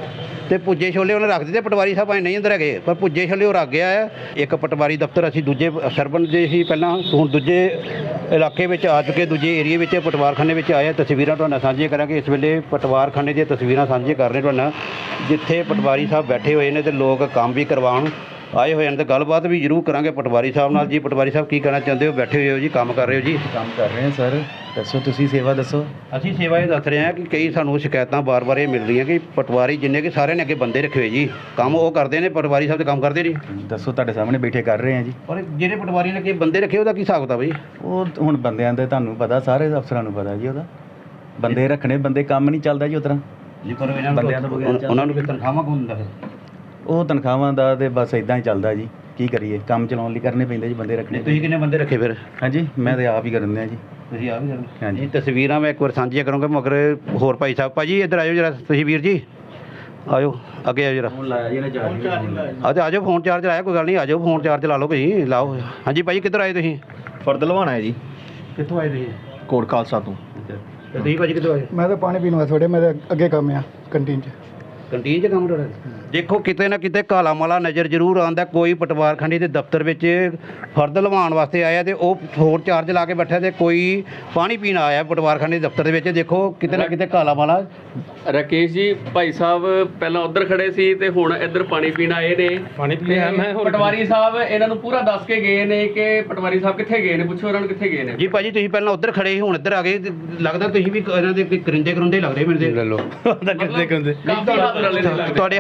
S2: ਤੇ ਪੁੱਜੇ ਛੋਲੇ ਉਹਨੇ ਰੱਖ ਦਿੱਤੇ, ਪਟਵਾਰੀ ਸਾਹਿਬ ਨਹੀਂ ਅੰਦਰ ਹੈਗੇ, ਪਰ ਪੁੱਜੇ ਛੋਲੇ ਉਹ ਰੱਖ ਗਿਆ ਆ। ਇੱਕ ਪਟਵਾਰੀ ਦਫ਼ਤਰ ਅਸੀਂ ਦੂਜੇ ਸਰਬਨ ਦੇ ਸੀ ਪਹਿਲਾਂ, ਹੁਣ ਦੂਜੇ ਇਲਾਕੇ ਵਿੱਚ ਆ ਚੁੱਕੇ, ਦੂਜੇ ਏਰੀਏ ਵਿੱਚ ਪਟਵਾਰਖਾਨੇ ਵਿੱਚ ਆਏ। ਤਸਵੀਰਾਂ ਤੁਹਾਡੇ ਨਾਲ ਸਾਂਝੀਆਂ ਕਰਾਂਗੇ। ਇਸ ਵੇਲੇ ਪਟਵਾਰਖਾਨੇ ਦੀਆਂ ਤਸਵੀਰਾਂ ਸਾਂਝੀਆਂ ਕਰ ਰਹੇ ਤੁਹਾਡੇ ਨਾਲ, ਜਿੱਥੇ ਪਟਵਾਰੀ ਸਾਹਿਬ ਬੈਠੇ ਹੋਏ ਨੇ ਤੇ ਲੋਕ ਕੰਮ ਵੀ ਕਰਵਾਉਣ ਆਏ ਹੋਏ ਹਨ, ਤੇ ਗੱਲਬਾਤ ਵੀ ਜ਼ਰੂਰ ਕਰਾਂਗੇ ਪਟਵਾਰੀ ਸਾਹਿਬ ਨਾਲ। ਜੀ ਪਟਵਾਰੀ ਸਾਹਿਬ ਕੀ ਕਹਿਣਾ ਚਾਹੁੰਦੇ ਹੋ? ਬੈਠੇ ਹੋਏ ਹੋ ਜੀ, ਕੰਮ ਕਰ ਰਹੇ ਹੋ ਜੀ?
S8: ਕੰਮ ਕਰ ਰਹੇ ਹਾਂ ਸਰ, ਦੱਸੋ ਤੁਸੀਂ ਸੇਵਾ ਦੱਸੋ।
S2: ਅਸੀਂ ਸੇਵਾ ਇਹ ਦੱਸ ਰਹੇ ਹਾਂ ਕਿ ਕਈ ਸਾਨੂੰ ਸ਼ਿਕਾਇਤਾਂ ਬਾਰ-ਬਾਰ ਇਹ ਮਿਲ ਰਹੀਆਂ ਕਿ ਪਟਵਾਰੀ ਜਿੰਨੇ ਕਿ ਸਾਰਿਆਂ ਨੇ ਅੱਗੇ ਬੰਦੇ ਰੱਖੇ ਹੋਏ ਜੀ, ਕੰਮ ਉਹ ਕਰਦੇ ਨੇ, ਪਟਵਾਰੀ ਸਾਹਿਬ ਤੇ ਕੰਮ ਕਰਦੇ ਨਹੀਂ।
S8: ਦੱਸੋ, ਤੁਹਾਡੇ ਸਾਹਮਣੇ ਬੈਠੇ ਕਰ ਰਹੇ ਹਾਂ ਜੀ।
S2: ਪਰ ਜਿਹੜੇ ਪਟਵਾਰੀ ਨੇ ਕਿ ਬੰਦੇ ਰੱਖੇ ਉਹਦਾ ਕੀ ਹਿਸਾਬ ਕਿਤਾਬ ਜੀ?
S8: ਉਹ ਹੁਣ ਬੰਦਿਆਂ ਦਾ ਤੁਹਾਨੂੰ ਪਤਾ, ਸਾਰੇ ਅਫਸਰਾਂ ਨੂੰ ਪਤਾ ਜੀ ਉਹਦਾ। ਬੰਦੇ ਰੱਖਣੇ, ਬੰਦੇ ਕੰਮ ਨਹੀਂ ਚੱਲਦਾ ਜੀ ਉਸ ਤਰ੍ਹਾਂ
S2: ਜੀ। ਪਰ
S8: ਬੰਦਿਆਂ ਤੋਂ ਬਗੈਰ
S2: ਉਹਨਾਂ ਨੂੰ ਵੀ ਤਨਖਾਹਾਂ ਕੌਣ ਦਿੰਦਾ ਫਿਰ?
S8: ਉਹ ਤਨਖਾਹਾਂ ਦਾ ਤੇ ਬਸ ਇਦਾਂ ਹੀ ਚੱਲਦਾ ਜੀ, ਕੀ ਕਰੀਏ, ਕੰਮ ਚਲਾਉਣ ਲਈ ਕਰਨੇ ਪੈਂਦੇ ਜੀ, ਬੰਦੇ ਰੱਖਣੇ।
S2: ਤੁਸੀਂ ਕਿੰਨੇ ਬੰਦੇ ਰੱਖੇ ਫਿਰ?
S8: ਹਾਂਜੀ, ਮੈਂ ਤੇ ਆਪ ਹੀ ਕਰਨ ਦਿਆਂ ਜੀ।
S2: ਤੁਸੀਂ ਆਪ ਹੀ ਕਰਦੇ?
S8: ਹਾਂਜੀ।
S2: ਤਸਵੀਰਾਂ ਮੈਂ ਇੱਕ ਵਾਰ ਸਾਂਝੀਆਂ ਕਰੂੰਗਾ, ਮਗਰ ਹੋਰ ਭਾਈ ਸਾਹਿਬ, ਭਾਜੀ ਇੱਧਰ ਆਇਓ ਜਰਾ, ਤੁਸੀਂ ਵੀਰ ਜੀ ਆਇਓ, ਅੱਗੇ ਆਇਓ ਜਰਾ।
S8: ਫੋਨ ਲਾਇਆ ਜੀ ਇਹਨੇ ਚਾਰਜ।
S2: ਆ ਜਾਓ, ਫੋਨ ਚਾਰਜ ਲਾਇਆ, ਕੋਈ ਗੱਲ ਨਹੀਂ, ਆ ਜਾਓ, ਫੋਨ ਚਾਰਜ ਲਾ ਲਓ ਤੁਸੀਂ, ਲਾਓ। ਹਾਂਜੀ ਭਾਜੀ, ਕਿੱਧਰ ਆਏ ਤੁਸੀਂ?
S7: ਫਰਦ ਲਵਾਉਣਾ ਹੈ ਜੀ,
S2: ਕਿੱਥੋਂ ਆਏ ਤੁਸੀਂ?
S7: ਕੋਟ ਖਾਲਸਾ ਤੋਂ।
S2: ਤੇ ਤੁਸੀਂ ਭਾਜੀ ਕਿੱਥੋਂ ਆਏ?
S9: ਮੈਂ ਤਾਂ ਪਾਣੀ ਪੀਣ ਵਾਸਤੇ ਥੋੜੇ, ਮੇਰੇ ਅੱਗੇ ਕੰਮ ਆ ਕੰਟੀਨ 'ਚ।
S2: ਕੰਟੀਨ 'ਚ ਕੰਮ ਤੁਹਾਡਾ? ਦੇਖੋ ਕਿਤੇ ਨਾ ਕਿਤੇ ਕਾਲਾ ਮਾਲਾ ਨਜ਼ਰ ਜ਼ਰੂਰ ਆਉਂਦਾ। ਕੋਈ ਪਟਵਾਰਖਾਨੇ ਦੇ ਦਫ਼ਤਰ ਵਿੱਚ ਫਰਦ ਲਵਾਉਣ ਵਾਸਤੇ ਆਇਆ ਤੇ ਉਹ ਹੋਰ ਚਾਰਜ ਲਾ ਕੇ ਬੈਠਾ, ਤੇ ਕੋਈ ਪਾਣੀ ਪੀਣ ਆਇਆ ਪਟਵਾਰਖਾਨੇ ਦੇ ਦਫ਼ਤਰ ਦੇ ਵਿੱਚ। ਦੇਖੋ ਕਿਤੇ ਨਾ ਕਿਤੇ ਕਾਲਾ ਮਾਲਾ।
S10: ਰਾਕੇਸ਼ ਜੀ, ਭਾਈ ਸਾਹਿਬ ਪਹਿਲਾਂ ਉੱਧਰ ਖੜੇ ਸੀ ਤੇ ਹੁਣ ਇੱਧਰ ਪਾਣੀ ਪੀਣ ਆਏ ਨੇ।
S3: ਪਾਣੀ ਪੀ ਲਿਆ ਮੈਂ।
S10: ਪਟਵਾਰੀ ਸਾਹਿਬ ਇਹਨਾਂ ਨੂੰ ਪੂਰਾ ਦੱਸ ਕੇ ਗਏ ਨੇ ਕਿ ਪਟਵਾਰੀ ਸਾਹਿਬ ਕਿੱਥੇ ਗਏ ਨੇ, ਪੁੱਛੋ ਇਹਨਾਂ ਨੂੰ ਕਿੱਥੇ ਗਏ ਨੇ।
S2: ਜੀ ਭਾਜੀ, ਤੁਸੀਂ ਪਹਿਲਾਂ ਉੱਧਰ ਖੜੇ ਸੀ, ਹੁਣ ਇੱਧਰ ਆ ਗਏ, ਲੱਗਦਾ ਤੁਸੀਂ ਵੀ ਇਹਨਾਂ ਦੇ ਕਰਿੰਦੇ ਕਰੁੰਦੇ ਲੱਗ ਰਹੇ ਮੈਨੂੰ।
S3: ਲੈ ਲਓ
S10: ਕਾਫੀ ਹੱਥ ਨਾਲੇ
S2: ਤੁਹਾਡੇ ਹੱਥ 'ਚ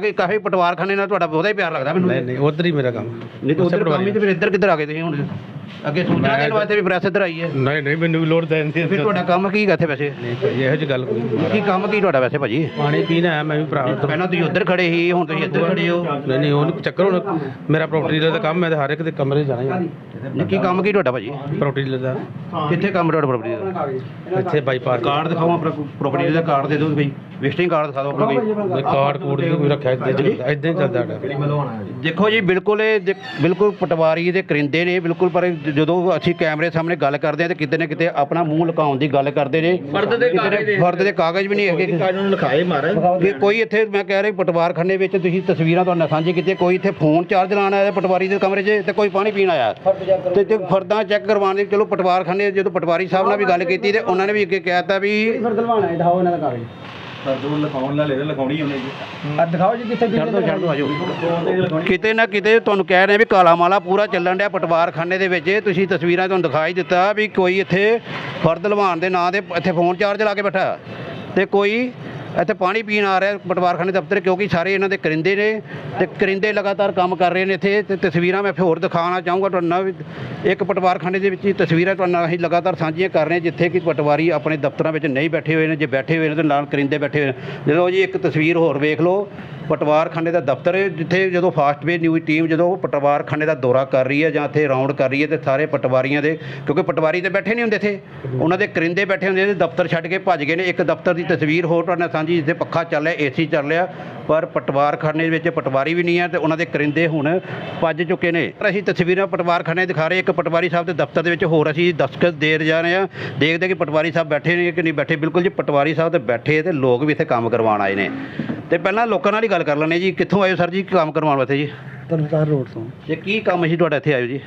S2: ਕਿ ਕਾਫੀ ਪਟਵਾਰਖਾਨੇ ਨਾਲ ਤੁਹਾਡਾ ਬਹੁਤਾ ਹੀ ਪਿਆਰ ਲੱਗਦਾ ਮੈਨੂੰ।
S3: ਨਹੀਂ ਉਧਰ ਹੀ ਮੇਰਾ ਕੰਮ।
S2: ਨਹੀਂ ਤਾਂ ਉਧਰ ਕੰਮ ਹੀ ਤੇ ਫਿਰ ਇੱਧਰ ਕਿੱਧਰ ਆ ਗਏ ਤੁਸੀਂ ਹੁਣ? ਅੱਗੇ ਸੂਚਨਾ ਦੇਣ ਵਾਸਤੇ ਵੀ ਪ੍ਰੈਸ ਇੱਧਰ ਆਈ ਹੈ।
S3: ਨਹੀਂ ਮੈਨੂੰ ਲੋੜ ਤਾਂ ਨਹੀਂ।
S2: ਫਿਰ ਤੁਹਾਡਾ ਕੰਮ ਕੀ ਹੈ ਇੱਥੇ ਵੈਸੇ?
S3: ਇਹੋ ਜਿਹੀ ਗੱਲ ਕੋਈ।
S2: ਕੀ ਕੰਮ ਕੀ ਤੁਹਾਡਾ ਵੈਸੇ ਭਾਜੀ?
S3: ਪਾਣੀ ਪੀਣਾ ਆਇਆ ਮੈਂ ਵੀ ਭਰਾ।
S2: ਪਹਿਲਾਂ ਤੁਸੀਂ ਉੱਧਰ ਖੜੇ ਸੀ, ਹੁਣ ਤੁਸੀਂ ਇੱਧਰ ਖੜੇ ਹੋ।
S3: ਨਹੀਂ ਉਹਨੂੰ ਚੱਕਰ ਹੁਣ ਮੇਰਾ ਪ੍ਰਾਪਰਟੀ ਡੀਲਰ ਦਾ ਕੰਮ, ਮੈਂ ਤਾਂ ਹਰ ਇੱਕ ਦੇ ਕਮਰੇ ਜਾਣਾ ਹੀ।
S2: ਕੀ ਕੰਮ ਕੀ ਤੁਹਾਡਾ ਭਾਜੀ?
S3: ਪ੍ਰਾਪਰਟੀ ਡੀਲਰ ਦਾ।
S2: ਕਿੱਥੇ ਕੰਮ ਤੁਹਾਡਾ ਪ੍ਰਾਪਰਟੀ ਦਾ?
S3: ਇੱਥੇ ਬਾਈਪਾਸ
S2: ਕਾਰਡ ਦਿਖਾਓ ਆਪਣਾ, ਪ੍ਰਾਪਰਟੀ ਦਾ ਕਾਰਡ ਦੇ ਦਿਓ ਬਈ, ਵਿਜ਼ਿਟਿੰਗ ਕਾਰਡ ਦਿਖਾ ਦਿਓ ਆਪਣਾ ਕੋਈ।
S3: ਕਾਰਡ ਕੋਡ ਵੀ ਕੋਈ ਰੱਖਿਆ ਇੱਦਾਂ ਹੀ ਚੱਲਦਾ ਸਾਡਾ।
S2: ਦੇਖੋ ਜੀ ਬਿਲਕੁਲ ਬਿਲਕੁਲ ਪਟਵਾਰੀ ਦੇ ਕਰਿੰਦੇ ਨੇ ਬਿਲਕੁਲ, ਪਰ ਜਦੋਂ ਅਸੀਂ ਕੈਮਰੇ ਸਾਹਮਣੇ ਗੱਲ ਕਰਦੇ ਹਾਂ ਤੇ ਕਿਤੇ ਨਾ ਕਿਤੇ ਆਪਣਾ ਮੂੰਹ ਲੁਕਾਉਣ ਦੀ ਗੱਲ ਕਰਦੇ ਨੇ। ਫਰਦ ਦੇ ਕਾਗਜ਼ ਵੀ ਨਹੀਂ ਹੈਗੇ
S7: ਕਾਨੂੰਨ ਲਿਖਾਏ ਮਹਾਰਾਜ।
S2: ਕਿ ਕੋਈ ਇੱਥੇ ਮੈਂ ਕਹਿ ਰਿਹਾ ਪਟਵਾਰਖਾਨੇ ਵਿੱਚ ਤੁਸੀਂ ਤਸਵੀਰਾਂ ਤੁਹਾਨੂੰ ਸਾਂਝੀ ਕੀਤੀ, ਕੋਈ ਇੱਥੇ ਫੋਨ ਚਾਰਜ ਲਾਉਣ ਆਇਆ ਪਟਵਾਰੀ ਦੇ ਕਮਰੇ 'ਚ ਤੇ ਕੋਈ ਪਾਣੀ ਪੀਣ ਆਇਆ ਤੇ ਫਰਦਾਂ ਚੈੱਕ ਕਰਵਾਉਣ ਦੀ। ਚਲੋ ਪਟਵਾਰਖਾਨੇ ਜਦੋਂ ਪਟਵਾਰੀ ਸਾਹਿਬ ਨਾਲ ਵੀ ਗੱਲ ਕੀਤੀ ਤੇ ਉਹਨਾਂ ਨੇ ਵੀ ਅੱਗੇ ਕਹਿ ਦਿੱਤਾ ਵੀ
S3: ਦਿਖਾਓ ਇਹਨਾਂ ਦਾ ਕਾਗਜ਼।
S7: ਜੋ ਲਿਖਾਉਣ ਵਾਲੇ ਲਿਖਾਉਣੀ ਉਹਨੇ ਜੀ।
S3: ਆ ਦਿਖਾਓ ਜੀ ਕਿੱਥੇ
S2: ਛੱਡ ਦਿਓ ਆਜੋ। ਕਿਤੇ ਨਾ ਕਿਤੇ ਤੁਹਾਨੂੰ ਕਹਿ ਰਹੇ ਵੀ ਕਾਲਾ ਮਾਲਾ ਪੂਰਾ ਚੱਲਣ ਡਿਆ ਪਟਵਾਰਖਾਨੇ ਦੇ ਵਿੱਚ। ਤੁਸੀਂ ਤਸਵੀਰਾਂ ਤੁਹਾਨੂੰ ਦਿਖਾਈ ਦਿੱਤਾ ਵੀ ਕੋਈ ਇੱਥੇ ਫਰਦ ਲਵਾਉਣ ਦੇ ਨਾਂ ਦੇ ਇੱਥੇ ਫੋਨ ਚਾਰਜ ਲਾ ਕੇ ਬੈਠਾ ਤੇ ਕੋਈ ਇੱਥੇ ਪਾਣੀ ਪੀਣ ਆ ਰਿਹਾ ਪਟਵਾਰਖਾਨੇ ਦਫ਼ਤਰ, ਕਿਉਂਕਿ ਸਾਰੇ ਇਹਨਾਂ ਦੇ ਕਰਿੰਦੇ ਨੇ ਤੇ ਕਰਿੰਦੇ ਲਗਾਤਾਰ ਕੰਮ ਕਰ ਰਹੇ ਨੇ ਇੱਥੇ। ਤੇ ਤਸਵੀਰਾਂ ਮੈਂ ਫਿਰ ਹੋਰ ਦਿਖਾਉਣਾ ਚਾਹੂੰਗਾ ਤੁਹਾਨੂੰ ਨਾਲ ਵੀ। ਇੱਕ ਪਟਵਾਰਖਾਨੇ ਦੇ ਵਿੱਚ ਹੀ ਤਸਵੀਰਾਂ ਤੁਹਾਨੂੰ ਨਾਲ ਅਸੀਂ ਲਗਾਤਾਰ ਸਾਂਝੀਆਂ ਕਰ ਰਹੇ ਹਾਂ, ਜਿੱਥੇ ਕਿ ਪਟਵਾਰੀ ਆਪਣੇ ਦਫ਼ਤਰਾਂ ਵਿੱਚ ਨਹੀਂ ਬੈਠੇ ਹੋਏ ਨੇ। ਜੇ ਬੈਠੇ ਹੋਏ ਨੇ ਤਾਂ ਨਾਲ ਕਰਿੰਦੇ ਬੈਠੇ ਹੋਏ ਨੇ। ਜਦੋਂ ਜੀ ਇੱਕ ਤਸਵੀਰ ਹੋਰ ਵੇਖ ਲਓ, ਪਟਵਾਰਖਾਨੇ ਦਾ ਦਫ਼ਤਰ, ਜਿੱਥੇ ਜਦੋਂ ਫਾਸਟਵੇ ਨਿਊਜ਼ ਟੀਮ ਜਦੋਂ ਪਟਵਾਰਖਾਨੇ ਦਾ ਦੌਰਾ ਕਰ ਰਹੀ ਹੈ ਜਾਂ ਇੱਥੇ ਰਾਉਂਡ ਕਰ ਰਹੀ ਹੈ ਤੇ ਸਾਰੇ ਪਟਵਾਰੀਆਂ ਦੇ, ਕਿਉਂਕਿ ਪਟਵਾਰੀ ਤੇ ਬੈਠੇ ਨਹੀਂ ਹੁੰਦੇ ਇੱਥੇ, ਉਹਨਾਂ ਦੇ ਕਰਿੰਦੇ ਬੈਠੇ ਹੁੰਦੇ ਨੇ, ਦਫ਼ਤਰ ਛੱਡ ਕੇ ਭੱਜ ਗਏ ਨੇ। ਇੱਕ ਦਫ਼ਤਰ ਦੀ ਤਸਵੀਰ ਹੋਰ ਤੁਹਾਡੇ ਨਾਲ ਸਾਂਝੀ, ਜਿੱਥੇ ਪੱਖਾ ਚੱਲ ਰਿਹਾ, ਏਸੀ ਚੱਲ ਰਿਹਾ, ਪਰ ਪਟਵਾਰਖਾਨੇ ਵਿੱਚ ਪਟਵਾਰੀ ਵੀ ਨਹੀਂ ਹੈ ਤੇ ਉਹਨਾਂ ਦੇ ਕਰਿੰਦੇ ਹੁਣ ਭੱਜ ਚੁੱਕੇ ਨੇ। ਅਸੀਂ ਤਸਵੀਰਾਂ ਪਟਵਾਰਖਾਨੇ ਦਿਖਾ ਰਹੇ, ਇੱਕ ਪਟਵਾਰੀ ਸਾਹਿਬ ਦੇ ਦਫ਼ਤਰ ਦੇ ਵਿੱਚ ਹੋਰ ਅਸੀਂ ਦਸਤਖਤ ਦੇ ਜਾ ਰਹੇ ਹਾਂ, ਦੇਖਦੇ ਕਿ ਪਟਵਾਰੀ ਸਾਹਿਬ ਬੈਠੇ ਨੇ ਕਿ ਨਹੀਂ ਬੈਠੇ। ਬਿਲਕੁਲ ਜੀ ਪਟਵਾਰੀ ਸਾਹਿਬ ਤੇ ਬੈਠੇ ਤੇ ਲੋਕ ਵੀ ਇੱਥੇ ਕੰਮ ਕਰਵਾਉਣ ਆਏ ਨੇ। ਤੇ ਪਹਿਲਾਂ ਲੋਕਾਂ ਨਾਲ ਹੀ ਗੱਲ ਕਰ ਲੈਂਦੇ ਜੀ। ਕਿੱਥੋਂ ਆਏ ਸਰ ਜੀ ਕੰਮ ਕਰਵਾਉਣ ਵਾਸਤੇ ਜੀ?
S3: ਤਰਨਤਾਰਨ ਰੋਡ ਤੋਂ।
S2: ਤੇ ਕੀ ਕੰਮ ਸੀ ਤੁਹਾਡਾ ਇੱਥੇ ਆਇਓ ਜੀ?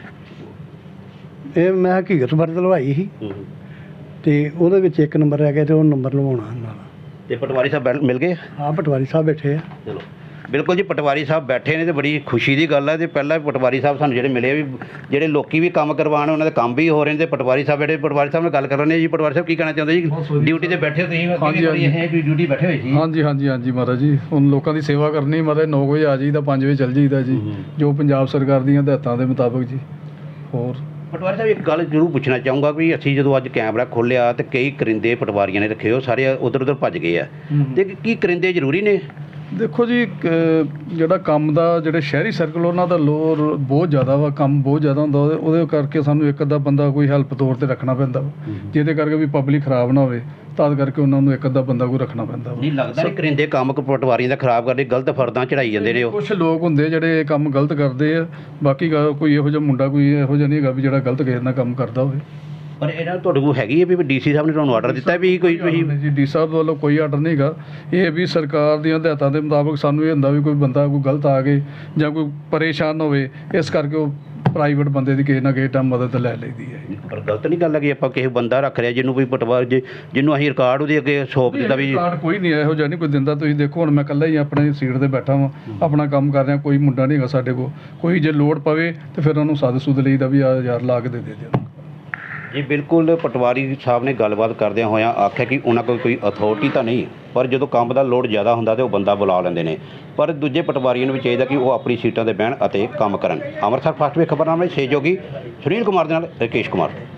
S3: ਇਹ ਮੈਂ ਹਕੀਕਤ ਵਰਤ ਲਵਾਈ ਸੀ ਤੇ ਉਹਦੇ ਵਿੱਚ ਇੱਕ ਨੰਬਰ ਰਹਿ ਗਿਆ ਤੇ ਉਹ ਨੰਬਰ ਲਵਾਉਣਾ ਨਾਲ।
S2: ਤੇ ਪਟਵਾਰੀ ਸਾਹਿਬ ਮਿਲ ਗਏ?
S3: ਹਾਂ ਪਟਵਾਰੀ ਸਾਹਿਬ ਬੈਠੇ ਆ।
S2: ਚਲੋ ਬਿਲਕੁਲ ਜੀ ਪਟਵਾਰੀ ਸਾਹਿਬ ਬੈਠੇ ਨੇ ਤੇ ਬੜੀ ਖੁਸ਼ੀ ਦੀ ਗੱਲ ਹੈ। ਤੇ ਪਹਿਲਾਂ ਪਟਵਾਰੀ ਸਾਹਿਬ ਸਾਨੂੰ ਜਿਹੜੇ ਮਿਲੇ, ਵੀ ਜਿਹੜੇ ਲੋਕੀ ਵੀ ਕੰਮ ਕਰਵਾਉਣ ਉਹਨਾਂ ਦੇ ਕੰਮ ਵੀ ਹੋ ਰਹੇ ਨੇ ਤੇ ਪਟਵਾਰੀ ਸਾਹਿਬ ਬੈਠੇ। ਪਟਵਾਰੀ ਸਾਹਿਬ ਨਾਲ ਗੱਲ ਕਰ ਰਹੇ ਨੇ ਜੀ। ਪਟਵਾਰੀ ਸਾਹਿਬ ਕੀ ਕਹਿਣਾ ਚਾਹੁੰਦੇ ਜੀ? ਡਿਊਟੀ ਤੇ ਬੈਠੇ ਹੋ ਤੁਸੀਂ? ਹਾਂਜੀ ਡਿਊਟੀ ਬੈਠੇ ਹੋਏ ਸੀ?
S9: ਹਾਂਜੀ ਮਹਾਰਾਜ ਜੀ, ਹੁਣ ਲੋਕਾਂ ਦੀ ਸੇਵਾ ਕਰਨੀ ਮਹਾਰਾਜ। 9 ਵਜੇ ਆ ਜਾਈਦਾ, 5 ਵਜੇ ਚੱਲ ਜਾਈਦਾ ਜੀ, ਜੋ ਪੰਜਾਬ ਸਰਕਾਰ ਦੀਆਂ ਹਦਾਇਤਾਂ ਦੇ ਮੁਤਾਬਕ ਜੀ। ਹੋਰ
S2: ਪਟਵਾਰੀ ਸਾਹਿਬ ਇੱਕ ਗੱਲ ਜ਼ਰੂਰ ਪੁੱਛਣਾ ਚਾਹੂੰਗਾ ਵੀ ਅਸੀਂ ਜਦੋਂ ਅੱਜ ਕੈਮਰਾ ਖੋਲ੍ਹਿਆ ਤੇ ਕਈ ਕਰਿੰਦੇ ਪਟਵਾਰੀਆਂ ਨੇ ਰੱਖੇ ਹੋ, ਸਾਰੇ ਉੱਧਰ ਭੱਜ ਗਏ ਆ ਤੇ ਕੀ ਕਰਿੰਦੇ ਜ਼ਰੂਰੀ ਨੇ?
S9: ਦੇਖੋ ਜੀ, ਜਿਹੜਾ ਕੰਮ ਦਾ ਜਿਹੜੇ ਸ਼ਹਿਰੀ ਸਰਕਲ ਉਹਨਾਂ ਦਾ ਲੋਰ ਬਹੁਤ ਜ਼ਿਆਦਾ ਵਾ, ਕੰਮ ਬਹੁਤ ਜ਼ਿਆਦਾ ਹੁੰਦਾ, ਉਹਦੇ ਕਰਕੇ ਸਾਨੂੰ ਇੱਕ ਅੱਧਾ ਬੰਦਾ ਕੋਈ ਹੈਲਪ ਤੌਰ ਤੇ ਰੱਖਣਾ ਪੈਂਦਾ ਵਾ, ਜਿਹਦੇ ਕਰਕੇ ਵੀ ਪਬਲਿਕ ਖਰਾਬ ਨਾ ਹੋਵੇ। ਤਦ ਕਰਕੇ ਉਹਨਾਂ ਨੂੰ ਇੱਕ ਅੱਧਾ ਬੰਦਾ ਕੋਈ ਰੱਖਣਾ ਪੈਂਦਾ ਵਾ।
S2: ਨਹੀਂ ਲੱਗਦਾ ਨਹੀਂ ਕਰਿੰਦੇ ਕੰਮ ਪਟਵਾਰੀਆਂ ਦਾ ਖਰਾਬ ਕਰਦੇ, ਗਲਤ ਫਰਦਾਂ ਚੜਾਈ ਜਾਂਦੇ ਨੇ? ਉਹ
S9: ਕੁਝ ਲੋਕ ਹੁੰਦੇ ਜਿਹੜੇ ਇਹ ਕੰਮ ਗਲਤ ਕਰਦੇ ਆ, ਬਾਕੀ ਕੋਈ ਇਹੋ ਜਿਹਾ ਮੁੰਡਾ ਕੋਈ ਇਹੋ ਜਿਹਾ ਨਹੀਂ ਹੈਗਾ ਵੀ ਜਿਹੜਾ ਗਲਤ ਕਿਸੇ ਨਾਲ ਕੰਮ ਕਰਦਾ ਹੋਵੇ।
S2: ਪਰ ਇਹਨਾਂ ਤੁਹਾਡੇ ਕੋਲ ਹੈਗੀ ਹੈ ਵੀ ਡੀਸੀ ਸਾਹਿਬ ਨੇ ਤੁਹਾਨੂੰ ਆਰਡਰ ਦਿੱਤਾ ਵੀ ਕੋਈ ਤੁਸੀਂ?
S9: ਜੀ ਡੀ ਸਾਹਿਬ ਵੱਲੋਂ ਕੋਈ ਆਰਡਰ ਨਹੀਂ ਹੈਗਾ। ਇਹ ਵੀ ਸਰਕਾਰ ਦੀਆਂ ਹਦਾਇਤਾਂ ਦੇ ਮੁਤਾਬਕ ਸਾਨੂੰ ਇਹ ਹੁੰਦਾ ਵੀ ਕੋਈ ਬੰਦਾ ਕੋਈ ਗਲਤ ਆ ਗਏ ਜਾਂ ਕੋਈ ਪਰੇਸ਼ਾਨ ਹੋਵੇ, ਇਸ ਕਰਕੇ ਉਹ ਪ੍ਰਾਈਵੇਟ ਬੰਦੇ ਦੀ ਕਿਸੇ ਨਾ ਕਿਸੇ ਟਾਈਮ ਮਦਦ ਲੈ ਲਈਦੀ ਹੈ।
S2: ਪਰ ਗਲਤ ਨਹੀਂ ਗੱਲ ਲੱਗੀ ਆਪਾਂ ਕਿਸੇ ਬੰਦਾ ਰੱਖ ਰਿਹਾ ਜਿਹਨੂੰ ਕੋਈ ਪਟਵਾਰ ਜਿਹਨੂੰ ਅਸੀਂ ਰਿਕਾਰਡ ਉਹਦੇ ਅੱਗੇ ਸੌਂਪ ਦਿੱਤਾ ਵੀ?
S9: ਰਿਕਾਰਡ ਕੋਈ ਨਹੀਂ ਇਹੋ ਜਿਹਾ ਨਹੀਂ ਕੋਈ ਦਿੰਦਾ। ਤੁਸੀਂ ਦੇਖੋ ਹੁਣ ਮੈਂ ਇਕੱਲਾ ਹੀ ਆਪਣੇ ਸੀਟ ਤੇ ਬੈਠਾ ਵਾਂ, ਆਪਣਾ ਕੰਮ ਕਰ ਰਿਹਾ, ਕੋਈ ਮੁੰਡਾ ਨਹੀਂ ਹੈਗਾ ਸਾਡੇ ਕੋਲ। ਕੋਈ ਜੇ ਲੋੜ ਪਵੇ ਤੇ ਫਿਰ ਉਹਨੂੰ ਸੱਦ ਸੁੱਦ ਲਈਦਾ ਵੀ ਆ ਯਾਰ ਲਾ ਕੇ ਦੇ ਦਿਓ
S2: ਜੀ। ਬਿਲਕੁਲ ਪਟਵਾਰੀ ਸਾਹਿਬ ਨੇ ਗੱਲਬਾਤ ਕਰਦਿਆਂ ਹੋਇਆਂ ਆਖਿਆ ਕਿ ਉਹਨਾਂ ਕੋਲ ਕੋਈ ਅਥਾਰਟੀ ਤਾਂ ਨਹੀਂ, ਪਰ ਜਦੋਂ ਕੰਮ ਦਾ ਲੋਡ ਜ਼ਿਆਦਾ ਹੁੰਦਾ ਤੇ ਉਹ ਬੰਦਾ ਬੁਲਾ ਲੈਂਦੇ ਨੇ। ਪਰ ਦੂਜੇ ਪਟਵਾਰੀਆਂ ਨੂੰ ਵੀ ਚਾਹੀਦਾ ਕਿ ਉਹ ਆਪਣੀ ਸੀਟਾਂ ਤੇ ਬਹਿਣ ਅਤੇ ਕੰਮ ਕਰਨ। ਅੰਮ੍ਰਿਤਸਰ ਫਾਸਟ ਵੇ ਖਬਰਨਾਮੇ ਸਹਿਯੋਗੀ ਸੁਨੀਲ ਕੁਮਾਰ ਦੇ ਨਾਲ ਰਕੇਸ਼ ਕੁਮਾਰ।